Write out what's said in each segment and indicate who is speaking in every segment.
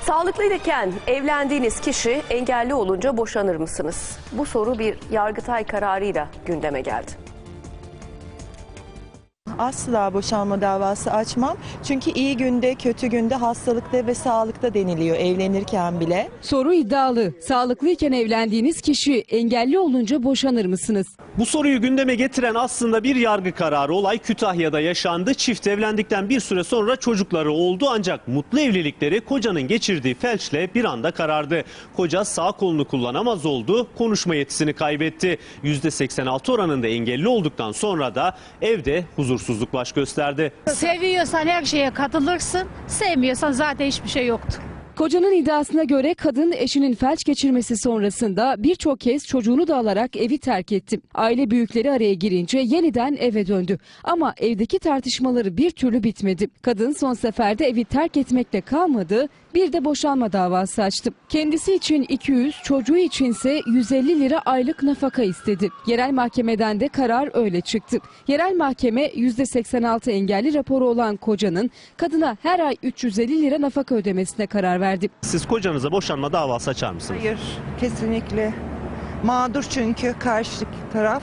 Speaker 1: Sağlıklıyken evlendiğiniz kişi engelli olunca boşanır mısınız? Bu soru bir Yargıtay kararıyla gündeme geldi.
Speaker 2: Asla boşanma davası açmam. Çünkü iyi günde, kötü günde, hastalıkta ve sağlıkta deniliyor evlenirken bile.
Speaker 3: Soru iddialı. Sağlıklıyken evlendiğiniz kişi engelli olunca boşanır mısınız?
Speaker 4: Bu soruyu gündeme getiren aslında bir yargı kararı. Olay Kütahya'da yaşandı. Çift evlendikten bir süre sonra çocukları oldu ancak mutlu evlilikleri kocanın geçirdiği felçle bir anda karardı. Koca sağ kolunu kullanamaz oldu, konuşma yetisini kaybetti. %86 oranında engelli olduktan sonra da evde huzursuzluk baş gösterdi.
Speaker 5: Seviyorsan her şeye katılırsın, sevmiyorsan zaten hiçbir şey yoktu.
Speaker 3: Kocanın iddiasına göre kadın eşinin felç geçirmesi sonrasında birçok kez çocuğunu da alarak evi terk etti. Aile büyükleri araya girince yeniden eve döndü. Ama evdeki tartışmaları bir türlü bitmedi. Kadın son seferde evi terk etmekle kalmadı, bir de boşanma davası açtı. Kendisi için 200, çocuğu içinse 150 lira aylık nafaka istedi. Yerel mahkemeden de karar öyle çıktı. Yerel mahkeme %86 engelli raporu olan kocanın kadına her ay 350 lira nafaka ödemesine karar verdi.
Speaker 4: Siz kocanıza boşanma davası açar mısınız?
Speaker 2: Hayır, kesinlikle. Mağdur çünkü karşı taraf.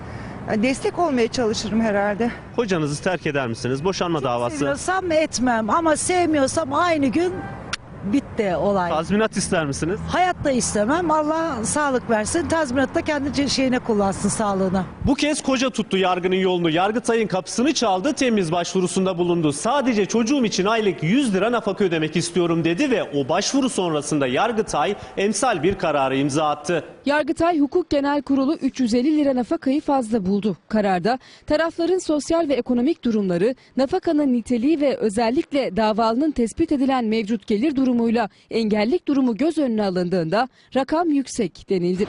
Speaker 2: Destek olmaya çalışırım herhalde.
Speaker 4: Kocanızı terk eder misiniz? Boşanma davası.
Speaker 6: Seviyorsam etmem ama sevmiyorsam aynı gün bitti olay.
Speaker 4: Tazminat ister misiniz?
Speaker 6: Hayatta istemem. Allah sağlık versin. Tazminat da kendi şeyine kullansın, sağlığına.
Speaker 4: Bu kez koca tuttu yargının yolunu. Yargıtay'ın kapısını çaldı, temiz başvurusunda bulundu. Sadece çocuğum için aylık 100 lira nafaka ödemek istiyorum dedi ve o başvuru sonrasında Yargıtay emsal bir kararı imza attı.
Speaker 3: Yargıtay Hukuk Genel Kurulu 350 lira nafakayı fazla buldu. Kararda tarafların sosyal ve ekonomik durumları, nafakanın niteliği ve özellikle davalının tespit edilen mevcut gelir durumuyla engellilik durumu göz önüne alındığında rakam yüksek denildi.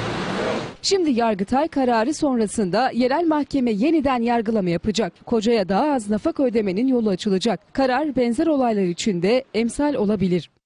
Speaker 3: Şimdi Yargıtay kararı sonrasında yerel mahkeme yeniden yargılama yapacak. Kocaya daha az nafaka ödemenin yolu açılacak. Karar benzer olaylar için de emsal olabilir.